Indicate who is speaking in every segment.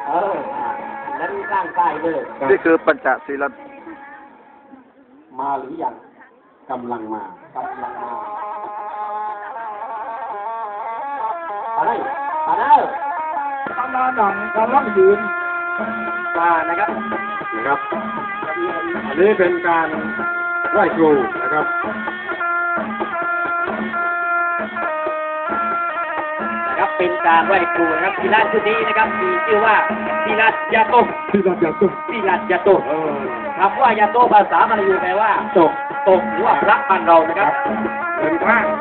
Speaker 1: นั้นร่างกายเลย
Speaker 2: นี่คือปัญจศีล
Speaker 1: มาหรือยังกำลังมาอะไรกำลังยืนนะครับอันนี้เป็นการไหว้ครูนะครับเป็นการไหว้ครูนะครับกีฬาชุดนี้นะครับมีชื่อว่ากีฬายาโตคำว่ายาโตภาษามลายูแปลว่าตกหรือว่าพระบ้านเรานะครับเป็นข้าง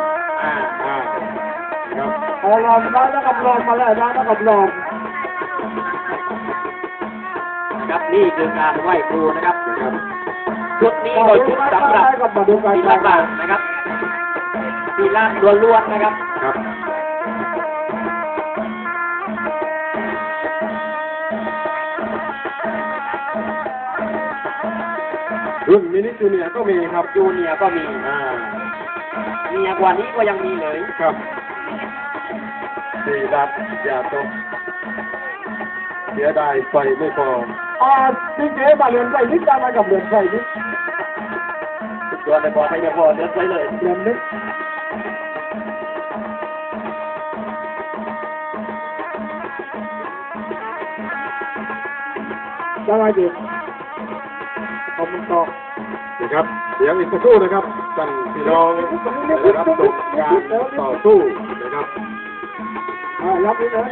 Speaker 1: ครับเอาลมได้แล้วกับลมมาแล้วนะแล้วกับลมนะครับนี่คือการไหว้ครูนะครับชุดนี้โดยชุดสำหรับกีฬาบ้านนะครับกีฬาล้วนๆนะครับรุ่นมินิจูเนียก็มีครับจูเนียก็มีมีกว่านี้ก็ยังมีเลยครับสี่ดับอย่าตกเสียดายไฟไม่พอจริงๆมาเรียนไฟนิดได้มากับเรียนไฟนิดตัวในบอลไม่พอเรียนไฟเลยเรียนนิดได้ไหมดิขอบคุณต่อนะครับเสียงอีกสักครู่นะครับท่านพี่น้องได้รับชมการต่อสู้นะครับรับไปเลย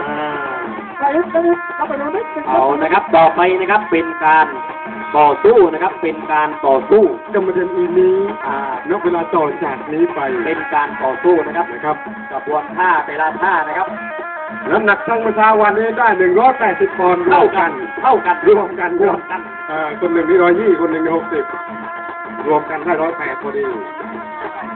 Speaker 1: เอานะครับต่อไปนะครับเป็นการต่อสู้นะครับเป็นการต่อสู้จะมาเดินอีนี้นับเวลาต่อจากนี้ไปเป็นการต่อสู้นะครับกระบวนท่าแต่ละท่านะครับน้ำหนักทั้งประชาวันนี้ได้180 ปอนด์เท่ากันรวมกันคนหนึ่งที่120คนหนึ่งที่60รวมกันได้108พอดี